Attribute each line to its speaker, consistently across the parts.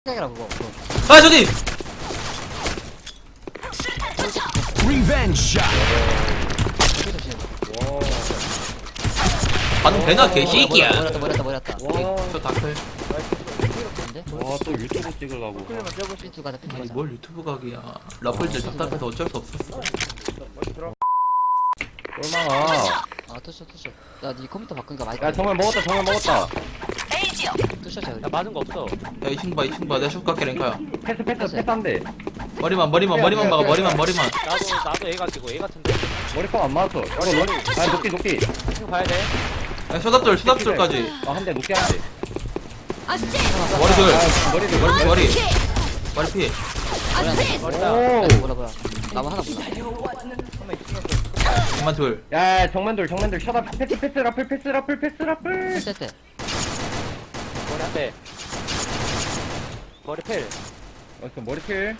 Speaker 1: 흑백이라 그거.
Speaker 2: 아 저기
Speaker 3: 리벤지 샷.
Speaker 1: 저기 조심.
Speaker 2: 반응 되나 개새끼야.
Speaker 1: 머렸다.
Speaker 2: 저 다클.
Speaker 1: 근데?
Speaker 4: 와 또 유튜브 찍으려고.
Speaker 1: 삐뚤 가자 삐뚤
Speaker 2: 아니
Speaker 1: 가자.
Speaker 2: 뭘 유튜브 각이야. 라플들 답답해서 어쩔 수 없었어.
Speaker 4: 얼마나?
Speaker 1: 아 투쇼. 야니 컴퓨터 바꾸니까 많이.
Speaker 4: 야 정말 먹었다.
Speaker 1: 투쇼야.
Speaker 5: 나 맞은 거 없어.
Speaker 2: 야 이층 봐 내가 슛 갈게 랭카야.
Speaker 4: 패스 한 대.
Speaker 2: 머리만 막아 머리만.
Speaker 5: 나도 A 가지고 A 같은데.
Speaker 4: 머리빵 안 맞았어. 이거 머리. 아 녹기.
Speaker 5: 이거 봐야 돼.
Speaker 2: 야 쇼답돌까지.
Speaker 4: 아한 대 녹기 한 대.
Speaker 2: 머리들
Speaker 4: 머리.
Speaker 2: 머리 피.
Speaker 5: 머리다.
Speaker 4: 오.
Speaker 1: 뭐라. 나무 하나 몰라.
Speaker 2: 그만 둘.
Speaker 4: 야 정면돌 셔다 패스 라플.
Speaker 1: 했을 때.
Speaker 5: 머리 한 대. 머리 필.
Speaker 4: 어서 머리 필.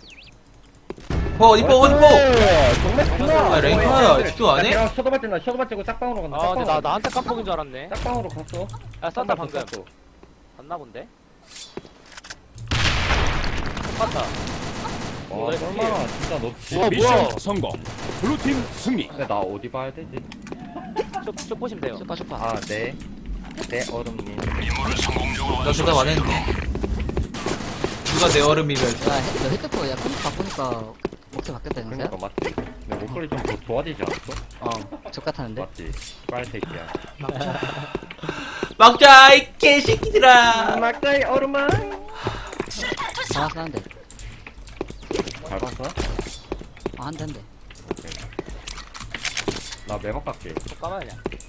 Speaker 2: 이뻐.
Speaker 4: 정말 좋나?
Speaker 2: 아, 랭카야, 집중 안 해?
Speaker 4: 셔도 맞지고 짝방으로 간다.
Speaker 5: 아 근데 나한테 깜빡인 줄 알았네.
Speaker 4: 짝방으로 갔어.
Speaker 5: 야 쐈다 방금. 봤나 본데. 똑같다.
Speaker 4: 와 얼마나 진짜 너.
Speaker 3: 미션 성공. 블루팀 승리.
Speaker 4: 근데 나 어디 봐야 되지?
Speaker 5: 쭉 보시면 돼요.
Speaker 1: 쇼파.
Speaker 4: 아 네. 네 얼음님.
Speaker 2: 나 대답 안 했는데. 누가 내 얼음이면.
Speaker 1: 야 헤드폰 야 컴퓨터 바꾸니까 목소리 바뀌었다 영사야?
Speaker 4: 그러니까 맞지. 근데 목소리 좀 더 좋아지지 않았어?
Speaker 1: 적 같았는데.
Speaker 4: 맞지. 빨새끼야.
Speaker 2: 막자 이 개새끼들아.
Speaker 4: 막자이 얼음아.
Speaker 1: 장화 쓰는데.
Speaker 4: 잘 봤어?
Speaker 1: 한대.
Speaker 4: 나 매박 갈게.
Speaker 5: 또 까마냐.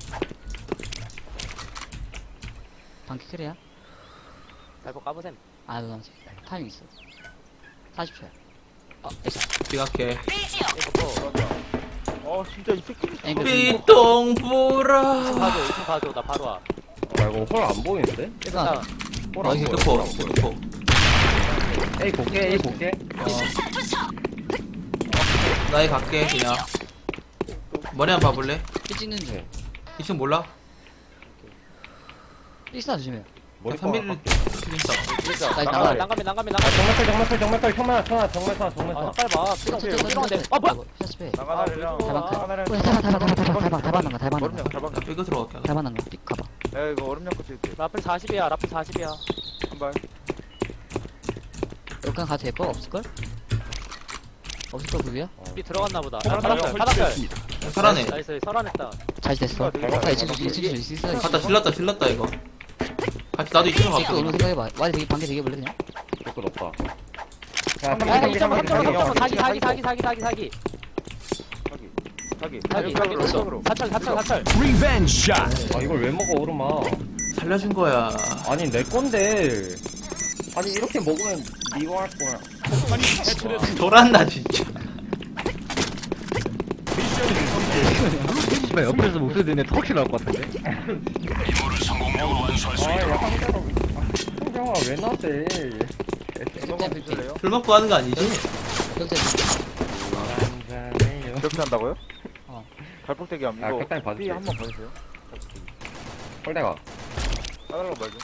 Speaker 1: 방키 크리야?
Speaker 5: 발포 까보셈.
Speaker 1: 아 너 타이밍 있어. 40초야.
Speaker 2: 비각해.
Speaker 5: 진짜 이 새끼.
Speaker 1: 앵글
Speaker 2: 삐똥보라.
Speaker 5: 가져. 2층 가져. 나 바로 와.
Speaker 4: 아 이거 홀 안 보이는데?
Speaker 1: 일단
Speaker 4: 홀
Speaker 2: 아
Speaker 4: 안
Speaker 2: 이게
Speaker 4: 보여.
Speaker 2: 끝포.
Speaker 4: 에이 볼게.
Speaker 2: 나이 갈게 그냥. 머리 한번 봐볼래?
Speaker 1: 삐 찍는 중.
Speaker 2: 2층 몰라?
Speaker 1: 삐싸 조심해.
Speaker 4: 머리
Speaker 2: 3mm 튀긴다.
Speaker 1: 나
Speaker 5: 난감해.
Speaker 1: 나가.
Speaker 5: 난감해.
Speaker 4: 정말 정말
Speaker 5: 아 빨리 봐. 삐롱. 아 뭐야?
Speaker 1: 샷스페.
Speaker 6: 나가나리랑
Speaker 1: 달방 나가.
Speaker 6: 얼음냥 달방
Speaker 2: 나 삐고 들어갈게.
Speaker 1: 달방 나가. 삐 가봐.
Speaker 6: 야 이거 얼음냥 거 찍을게
Speaker 5: 라플 40이야. 라플 40이야.
Speaker 6: 한발
Speaker 1: 여기까지 가도 될거 없을걸? 없을걸 그게야?
Speaker 5: 삐 들어갔나 보다.
Speaker 3: 폭탄이
Speaker 5: 바닥살.
Speaker 3: 설치됐습니다.
Speaker 2: 살아내.
Speaker 5: 나이스. 설안했다.
Speaker 1: 잘 됐어. 아 이층 있어.
Speaker 2: 갔다 질렀다 이거. 같이 나도 2층
Speaker 1: 삐
Speaker 2: 갈게.
Speaker 1: 오는 생각해봐. 와리 되게 방개 되게 볼래 그냥?
Speaker 4: 조건 없다.
Speaker 5: 야, 2.3 사기. 사철.
Speaker 3: 리벤지 샷.
Speaker 4: 아 이걸 왜 먹어 오르마?
Speaker 2: 살려준 거야.
Speaker 4: 아니 내 건데. 아니 이렇게 먹으면 니가 할 거야.
Speaker 3: 폭탄이 해체됐습니다.
Speaker 2: 돌았나 진짜.
Speaker 3: 미션 성공.
Speaker 4: 씨발 옆에서 목소리 듣는 턱이 나올 것 같은데?
Speaker 3: 임무를 성공적으로 완수할 수 있도록.
Speaker 4: 상정아 왜 나대?
Speaker 2: 술 먹고 하는 거 아니지?
Speaker 1: 경찰
Speaker 6: 그렇게 한다고요?
Speaker 1: 어.
Speaker 6: 발폭대기 함
Speaker 4: 아,
Speaker 6: 이거
Speaker 4: 격단이 봐줄게.
Speaker 6: B 한번 봐주세요
Speaker 4: 홀대가.
Speaker 6: 따달라고 말죠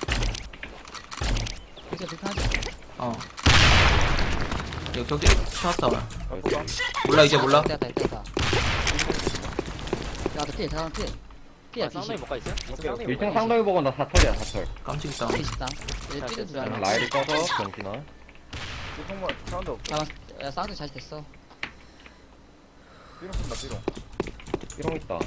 Speaker 1: 경찰 불편하지?
Speaker 2: 어. 이거 경기 찾았다.
Speaker 6: 발폭
Speaker 2: 몰라 이제 몰라.
Speaker 1: 있다. 야너 피해 잠깐 피해. 피해
Speaker 5: 쌍둥이 못 가 있어?
Speaker 6: 오케이, 오케이.
Speaker 4: 1층 상당히 보고 나 4철이야 4철.
Speaker 2: 깜찍 있다.
Speaker 1: 피해 싶다. 얘 삐는 줄 알아.
Speaker 4: 라일이 꺼서 정신아.
Speaker 6: 정말 사운드 없어
Speaker 1: 잠깐 야 사운드 잘 됐어.
Speaker 6: 삐롱 쓴다 삐롱
Speaker 4: 삐롱 있다.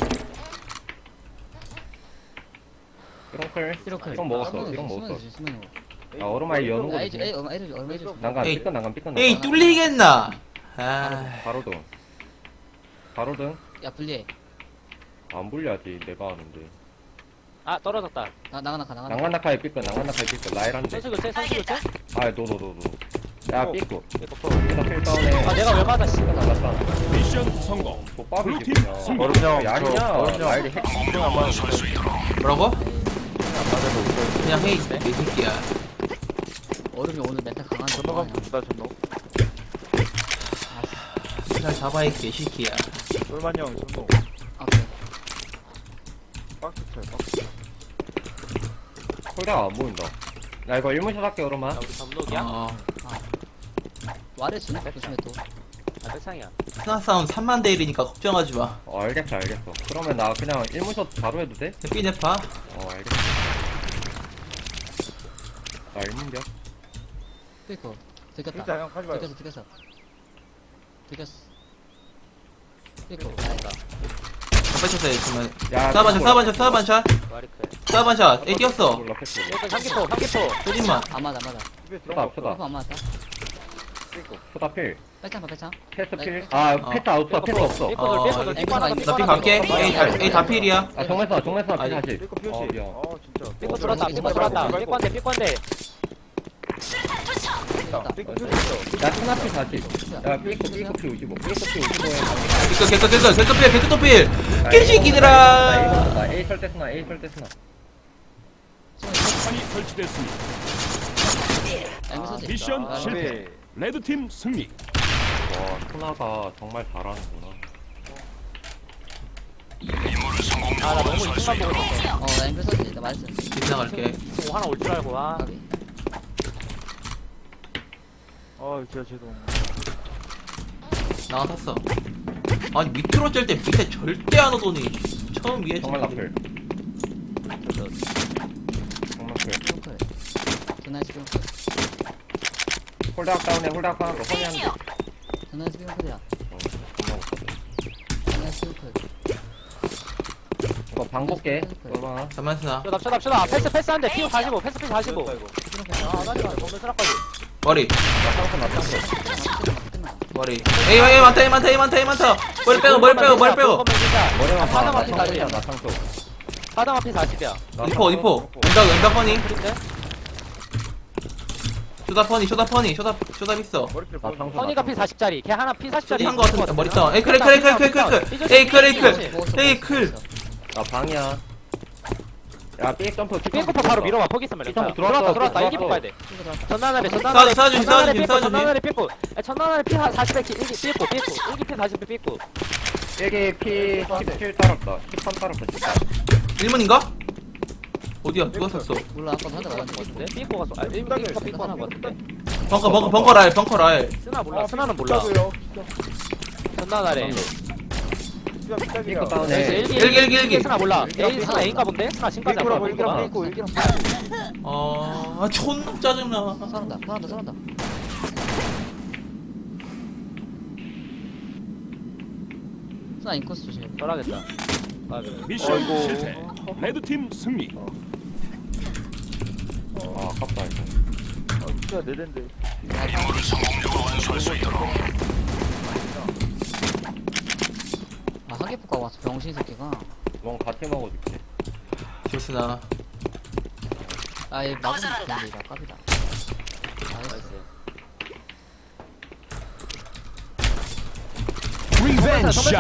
Speaker 4: 삐롱 클.
Speaker 1: 이렇게.
Speaker 4: 삐롱 먹었어. 삐롱 먹었어. 야 얼음아이 여는 거.
Speaker 1: 에이 얼마 해줘.
Speaker 4: 난간
Speaker 2: 에이.
Speaker 4: 삐끗.
Speaker 2: 에이 뚫리겠나? 아.
Speaker 4: 바로 등. 바로 등.
Speaker 1: 야 분리해.
Speaker 4: 안 불려야지 내가 하는데.
Speaker 5: 아 떨어졌다.
Speaker 1: 나가.
Speaker 4: 난간나카에 삐끗. 라일 한 대.
Speaker 5: 선수 교체.
Speaker 4: 아 너. 야 삐끗.
Speaker 5: 이거
Speaker 4: 삐끗 필 다운에.
Speaker 5: 아 내가 왜 받아 씨.
Speaker 4: 나갔다.
Speaker 3: 미션 성공.
Speaker 4: 족밥이지
Speaker 3: 블루팀
Speaker 4: 그냥.
Speaker 3: 승리.
Speaker 6: 얼음냥
Speaker 4: 야이냐.
Speaker 6: 얼음냥
Speaker 4: 라일이 핵.
Speaker 3: 성공적으로 완수할 수 있도록.
Speaker 2: 뭐라고?
Speaker 6: 안 맞아도 웃어요
Speaker 2: 그냥 해. 이 새끼야.
Speaker 1: 얼음이 오늘 멘탈 강한데.
Speaker 6: 전노 가면 좋다 전노
Speaker 2: 잘 잡아 이 개새끼야.
Speaker 6: 똘만이 형 전노
Speaker 1: 아 그래.
Speaker 6: 박스 쳐요 박스
Speaker 4: 홀대가 안 보인다. 나 이거 1문샷 할게 그러면.
Speaker 5: 야 우리 담록이야?
Speaker 1: 와래 주네 조심해 또.
Speaker 5: 아 백상이야.
Speaker 2: 스나 싸움 3만 대 1이니까 걱정하지 마.
Speaker 4: 알겠어 알겠어. 그러면 나 그냥 1문샷 바로 해도 돼?
Speaker 2: 삐네파.
Speaker 4: 알겠어. 나 1문샷.
Speaker 1: 삐고. 들켰다.
Speaker 6: 진짜 형 가지 마요.
Speaker 1: 들켰어. 삐고. 아니다.
Speaker 2: 뺐었어야 했지만.
Speaker 4: 야,
Speaker 2: 싸반샷.
Speaker 5: 와리클.
Speaker 2: 싸반샷. 애 뛰었어.
Speaker 4: 몰라 패스.
Speaker 5: 일단 삼기포.
Speaker 2: 쏘진마.
Speaker 1: 안 맞아.
Speaker 6: 집에
Speaker 4: 쏘다
Speaker 6: 들어가.
Speaker 4: 쏘다.
Speaker 1: 삐고 안 맞았다.
Speaker 4: 쏘다 필.
Speaker 1: 백창 봐 백창.
Speaker 4: 패스
Speaker 1: 나
Speaker 4: 필.
Speaker 1: 이거
Speaker 4: 아 패스 아웃어 패스 없어.
Speaker 5: 삐꼬들 삐꼬 하나
Speaker 2: 나 삐 갈게. A 다 필이야.
Speaker 4: 아 정면서 필
Speaker 2: 아니.
Speaker 4: 다시.
Speaker 6: 삐꼬 표시.
Speaker 4: 미안.
Speaker 6: 진짜.
Speaker 5: 삐꼬 들어왔다. 삐꼬 들어왔다. 삐꼬한데 삐꼬한데.
Speaker 6: 삐꼬 표시.
Speaker 4: 야 스나 필 다시. 야 삐꼬 필 55. 삐꼬 필 55에.
Speaker 2: 개꺼 필. 개새끼들아.
Speaker 4: 나 A 설대 스나.
Speaker 3: 폭탄이 설치됐습니다.
Speaker 1: 앵글 서지.
Speaker 3: 미션 실패. 레드팀 승리.
Speaker 4: 와 스나가 정말 잘하는구나.
Speaker 5: 아나 너무 이쪽만 보고 있었어.
Speaker 1: 나 앵글 서지. 나 맞았어.
Speaker 2: 지나갈게.
Speaker 5: 오 하나 올 줄 알고 와.
Speaker 1: 까비.
Speaker 6: 진짜 죄송.
Speaker 2: 나가 탔어. 아니 밑으로 짤 때 밑에 절대 안 오더니 처음 위에
Speaker 4: 정말
Speaker 2: 쳤는데.
Speaker 4: 나쁠. 정말 필.
Speaker 1: 삐고. 전화해서 삐고.
Speaker 4: 홀드악 다운해 홀드악 다운. 허니 한 대.
Speaker 1: 전화해서 삐고야.
Speaker 4: 정말 못하네.
Speaker 1: 전화해서 삐고.
Speaker 4: 이거 방 볼게. 얼마나?
Speaker 2: 잠만 스나.
Speaker 5: 쇼답. 패스 한대. 피우 45. 패스 45. 아 나리가 정글 쓰라까지.
Speaker 2: 머리.
Speaker 4: 나 땅콩.
Speaker 2: 머리. 에이 많다. 머리 빼고.
Speaker 4: 머리만 봐.
Speaker 5: 하나만
Speaker 4: 나
Speaker 5: 피
Speaker 4: 땅콩이야
Speaker 5: 40이야.
Speaker 4: 나 땅콩.
Speaker 5: 하나만 피 40이야.
Speaker 2: 리포. 은박 허니.
Speaker 5: 그린데?
Speaker 2: 쇼다 퍼니. 쇼다 있어.
Speaker 6: 머리필
Speaker 4: 나
Speaker 6: 보여줘.
Speaker 4: 땅콩.
Speaker 5: 허니가 피 40짜리. 걔 하나 피 40짜리.
Speaker 2: 쇼디 한거 같은데 머리 떠. 에이 클.
Speaker 4: 나 방이야. 야 삐 점프.
Speaker 5: 삐꼬포 바로 밀어봐. 포기 있으면
Speaker 4: 삐꼬
Speaker 5: 렌타.
Speaker 4: 들어왔어.
Speaker 5: 들어왔다. 일기
Speaker 4: 들어왔어.
Speaker 5: 뽑아야 돼. 전난날에
Speaker 2: 싸워주지.
Speaker 5: 전난날에 삐꼬. 전난날에 피 40에 일기 삐꼬. 일기 피 40에 삐꼬.
Speaker 4: 일기 피 17 따랐다. 13 따랐다.
Speaker 2: 1문인가? 어디야? 누가 샀어?
Speaker 1: 몰라 아까 한대 맞았는데.
Speaker 5: 같은데? 삐꼬가 쏘. 아 삐꼬 하나 같은데.
Speaker 2: 벙커 라일.
Speaker 5: 스나 몰라. 스나는 몰라. 전난날에.
Speaker 4: 삐꼬 다운해.
Speaker 2: 일기.
Speaker 5: 스나 몰라. A 스나 A인가 본데? 스나 지금까지 안
Speaker 6: 삐꼬라고
Speaker 5: 보여.
Speaker 6: 일기랑
Speaker 5: 삐꼬가.
Speaker 6: 삐꼬.
Speaker 2: 존나 짜증나.
Speaker 1: 살았다. 스나 인코스 조심.
Speaker 5: 썰하겠다. 아 그래.
Speaker 3: 미션
Speaker 6: 어이구.
Speaker 3: 실패. 레드팀 승리.
Speaker 4: 아 아깝다 이거.
Speaker 6: 진짜 내 덴데.
Speaker 1: 하계포가 와서 병신 새끼가.
Speaker 4: 넌 같이 먹어줄게.
Speaker 2: 좋스나.
Speaker 1: 아얘 막으면 좋은데 이거 깝이다. 나이스.
Speaker 3: 리벤지 샷.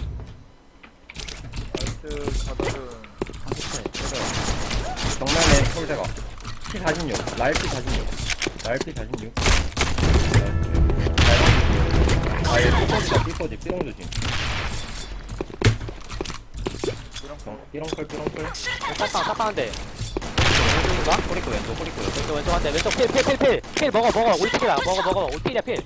Speaker 6: 나이스 가더른.
Speaker 1: 하계포.
Speaker 4: 정면에 홀대가. 피 46. 라일 피 46. 라일 피 46. 아얘 삐꼬지다 삐꼬지. 삐롱 조심. 삐롱클.
Speaker 5: 싹방한데.
Speaker 4: 꼬리꼬 왼쪽 꼬리꼬.
Speaker 5: 왼쪽 한대. 왼쪽 필 먹어. 올필이야. 먹어. 올필이야 필.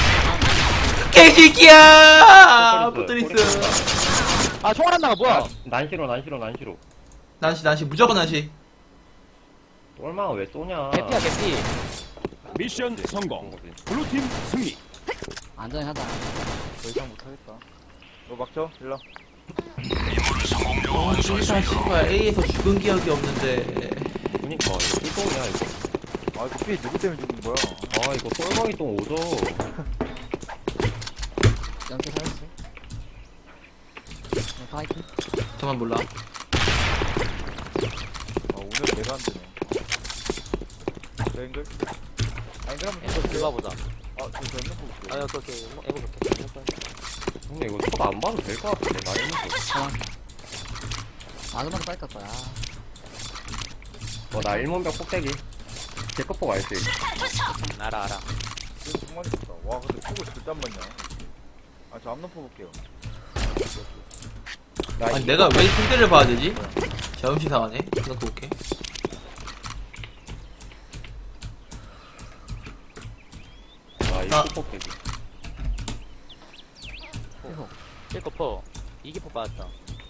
Speaker 2: 개새끼야! 포트리스.
Speaker 5: 아 총알 안 나가 뭐야?
Speaker 4: 난시로.
Speaker 2: 난시. 무조건 난시.
Speaker 4: 얼마나 왜 쏘냐.
Speaker 5: 개피야 개피.
Speaker 3: 미션 성공. 블루팀 승리.
Speaker 1: 안전히 하자.
Speaker 6: 더 이상 못하겠다. 너 막죠? 일로.
Speaker 2: 진짜 씨발 A에서 죽은 기억이 없는데.
Speaker 4: 그니까 이거 삐똥이야 이거.
Speaker 6: 이거 삐 누구 때문에 죽은 거야?
Speaker 4: 아 이거 똘망이 똥 오죠.
Speaker 1: 연계 살았어. 파이팅.
Speaker 2: 저만 몰라.
Speaker 6: 오늘 내가 안 되네. 저 앵글? 앵글 한번
Speaker 5: 이거 들어가보자.
Speaker 6: 저 앵글 볼게요.
Speaker 5: 아 오케이. 해볼게.
Speaker 4: 근데 이거 첫 안 봐도 될 것 같은데 나 이거.
Speaker 1: 아줌마도 빨리 갈 거야.
Speaker 4: 나 일문벽 꼭대기. 개꺼포 알지?
Speaker 5: 알아.
Speaker 6: 지금 정말 있었다. 와 근데 포고 절대 안 맞냐? 저 앞놓 볼게요.
Speaker 4: 나
Speaker 2: 아니 내가 왜 상대를 봐야 되지? 자음시 상하네. 생각도 올게.
Speaker 4: 아, 이
Speaker 2: 아.
Speaker 4: 뽀뽀 깨기.
Speaker 5: 찔거포. 이기포 빠졌다.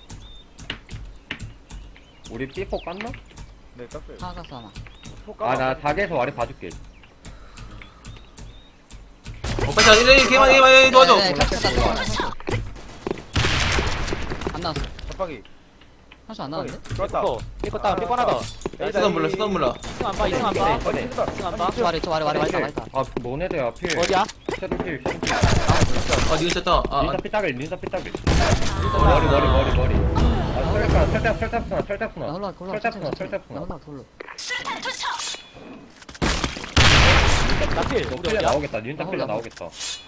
Speaker 4: 우리 삐뽀 깠나?
Speaker 6: 네 깠어요.
Speaker 1: 하나 깠어 하나.
Speaker 4: 아, 나 닭에서 와리 봐줄게.
Speaker 2: 빨리 자, 이래, 개만 도와줘.
Speaker 1: 네, 안 나왔어.
Speaker 6: 잡박이.
Speaker 1: 한수 안 나왔는데?
Speaker 6: 껐다.
Speaker 5: 삐꼬. 삐꼬 다운. 삐꼬 하나 더.
Speaker 2: 쓰던 몰라, 쓰던 몰라.
Speaker 5: 2층 안 봐. 2층 안 봐.
Speaker 4: 꺼내.
Speaker 5: 2층 안 봐.
Speaker 1: 저 아래
Speaker 4: 필.
Speaker 1: 말다.
Speaker 4: 아, 너네들야, 필.
Speaker 5: 어디야?
Speaker 4: 셔틀필, 셔틀필.
Speaker 2: 아, 니가 쳤다. 아,
Speaker 4: 닌자 삐딱일, 닌자 삐딱일. 머리. 아, 설탕
Speaker 1: 나 홀라 골라.
Speaker 4: 설탕.
Speaker 1: 나 홀라 골라.
Speaker 5: 나 필.
Speaker 4: 너
Speaker 5: 우리
Speaker 4: 필레
Speaker 5: 어디야?
Speaker 4: 나오겠다. 닌자 필레 나오겠다.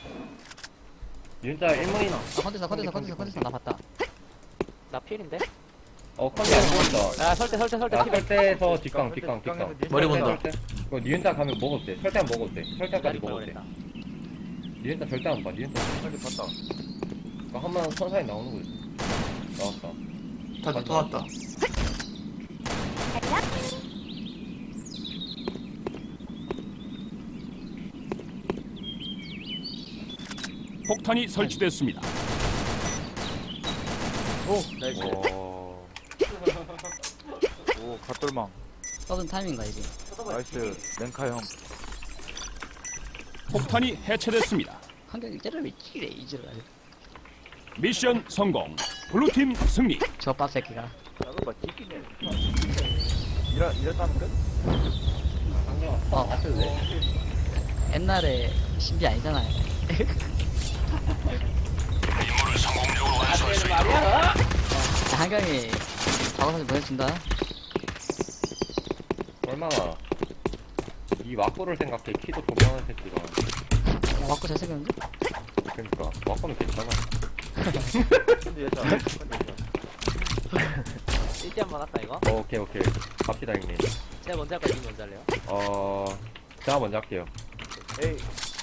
Speaker 4: 닌자 1문이나.
Speaker 1: 아 컨텐츠 나 봤다.
Speaker 5: 나 필인데?
Speaker 4: 컨디 안 보인다.
Speaker 5: 야 설대
Speaker 4: 나
Speaker 5: 필.
Speaker 4: 설대에서 뒷강.
Speaker 2: 머리 본다.
Speaker 4: 이거 니은자 가면 먹어도 돼. 설탕 먹어도 돼. 설탕까지
Speaker 5: 기다릴
Speaker 4: 먹어도 돼.
Speaker 5: 뻔했다.
Speaker 4: 니은자 절대 안 봐. 니은자.
Speaker 6: 빨리 봤다.
Speaker 4: 이거 한번 선사에 나오는 거지. 나왔다.
Speaker 2: 다시 또 왔다.
Speaker 3: 폭탄이 설치됐습니다.
Speaker 5: 나이스.
Speaker 6: 오 갓돌망.
Speaker 1: 써둔 타이밍인가 이게.
Speaker 6: 나이스. 랭카 형.
Speaker 3: 폭탄이 해체됐습니다.
Speaker 1: 한경이 때를 왜 찌래 이지를 아주.
Speaker 3: 미션 성공. 블루팀 승리.
Speaker 1: 저 빡새끼가.
Speaker 6: 작은 봐 찌끼네. 이랬다는 끝?
Speaker 1: 옛날에 신비 아니잖아요. 한경이 작업사진 보내준다.
Speaker 4: 얼마나 이 왁구를 생각해. 키도 조그마한 새끼가.
Speaker 1: 맞고 잘생겼는데?
Speaker 4: 그러니까 왁구는 괜찮아.
Speaker 6: 근데 예차.
Speaker 5: 1대 한번 할까 이거?
Speaker 4: 오케이. 갑시다 형님.
Speaker 5: 제가 먼저 할까? 니 먼저 할래요?
Speaker 4: 제가 먼저 할게요.
Speaker 6: 에이.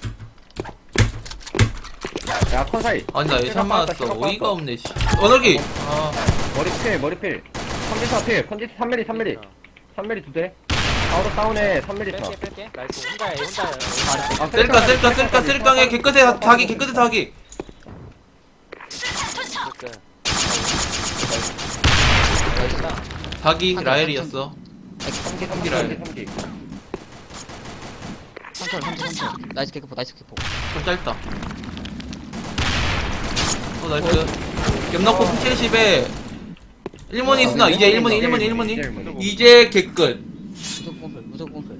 Speaker 4: 야 컨사이.
Speaker 2: 아니, 나 예산 맞았어. 어이가 없네, 씨. 언어기! 아,
Speaker 4: 머리필. 컨디스 3mm. 3mm 2대. 아우터 다운에 3mm 차.
Speaker 5: 뺄게. 나이스. 혼자야.
Speaker 4: 아,
Speaker 2: 셀깡에 개끝에 닭이. 닭이 라엘이었어.
Speaker 4: 3기.
Speaker 1: 삼철. 나이스 개그포.
Speaker 2: 좀 짧다. 나이스. 겹넣고 70에 1문이 있으나, 이제 1문이. 이제 개끝.
Speaker 1: 무조건 꼼풀.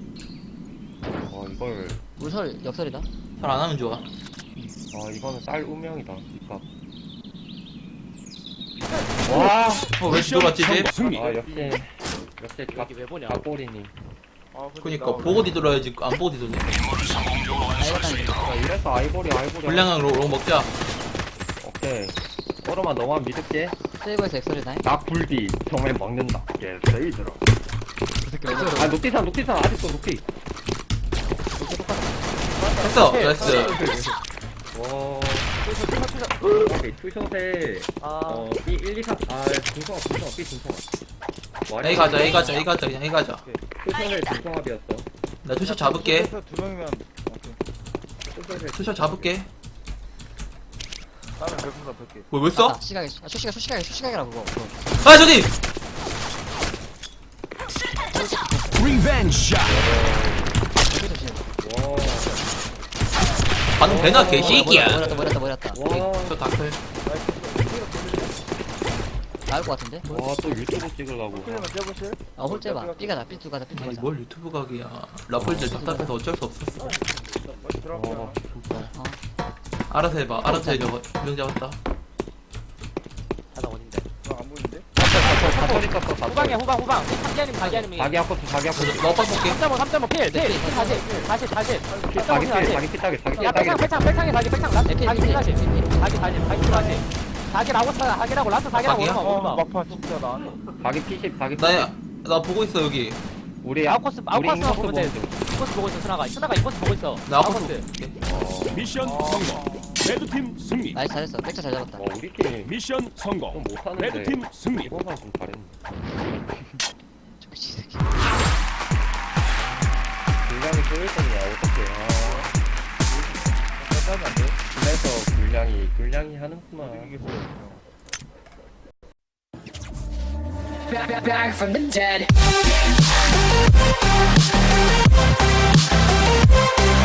Speaker 4: 이걸.
Speaker 1: 물설 역설이다.
Speaker 2: 잘 안 하면 좋아.
Speaker 4: 이거는 쌀 운명이다. 이값. 와.
Speaker 2: 왜 들어왔지, 이제?
Speaker 3: 승리.
Speaker 4: 역시
Speaker 5: 여기 왜 보냐?
Speaker 4: 갓골이니.
Speaker 2: 그니까, 보고 뒤돌아야지. 안 보고 뒤돌네.
Speaker 4: 이래서 아이보리.
Speaker 2: 불량한 로 먹자.
Speaker 4: 오케이. 오로만 너만 믿을게.
Speaker 1: 세이버에서 역설이다.
Speaker 4: 나 굴비 정말 먹는다. 예, 세이드라. 아, 녹티산 아직도 녹티.
Speaker 2: 했어. 나이스.
Speaker 4: 와. 오케이, 투샷에 B 1, 2, 3. 중성합, B 중성합.
Speaker 2: A 가자. 그냥 A 가자.
Speaker 4: 투샷에 중성합이었어.
Speaker 2: 나 투샷 잡을게.
Speaker 6: 두 명이면 오케이.
Speaker 2: 투샷 잡을게.
Speaker 6: 다음에 별풍선 100개.
Speaker 2: 왜 써?
Speaker 1: 수시각이라 그거.
Speaker 2: 아, 저기!
Speaker 3: 리벤지 샷.
Speaker 4: 와.
Speaker 2: 반응 되나, 개새끼야.
Speaker 1: 머렸다.
Speaker 4: 와.
Speaker 2: 저 다클.
Speaker 1: 나올 것 같은데?
Speaker 4: 와, 또 유튜브 찍으려고.
Speaker 6: 필름은 떼보실?
Speaker 1: 홀째봐. 삐가자. 삐 가자.
Speaker 2: 아니, 뭘 유튜브 각이야. 라플들 답답해서 어쩔 수 없었어.
Speaker 6: 들어가요.
Speaker 4: 진짜.
Speaker 2: 알아서 해봐. 알아서 해, 저거. 두명 잡았다.
Speaker 5: 하나 어딘데?
Speaker 6: 안 보이는데?
Speaker 4: 사설이 떴어,
Speaker 5: 후방이야 후방. 자기아님.
Speaker 4: 자기 아코트.
Speaker 2: 너 오빠 볼게.
Speaker 5: 3.5 필. 다시.
Speaker 4: 자기 피따게.
Speaker 5: 야 백창에 자기 자기라고 라스 자기라고
Speaker 2: 자기야?
Speaker 5: 오르마
Speaker 6: 막판 진짜 나 안 해.
Speaker 4: 자기 P10, 자기
Speaker 2: 나 보고 있어, 여기.
Speaker 4: 우리
Speaker 5: 아웃코스만
Speaker 4: 인코스
Speaker 5: 보면 돼.
Speaker 4: 보면 돼.
Speaker 5: 이코스 보고 있어 스나가 이코스 보고 있어.
Speaker 2: 나 아까
Speaker 5: 아웃코스.
Speaker 2: 볼게.
Speaker 3: 미션 성공. 레드팀 승리.
Speaker 1: 나이스 잘했어. 백차 잘 잡았다.
Speaker 4: 우리 팀
Speaker 3: 미션 성공.
Speaker 4: 좀 못하는데
Speaker 3: 레드팀 승리.
Speaker 4: 이번만 좀 잘했네.
Speaker 1: 저 미친 새끼.
Speaker 4: 분량이 쏠 거냐 어떡해. 하는구만.
Speaker 6: 이겼어요.
Speaker 7: Back from the dead.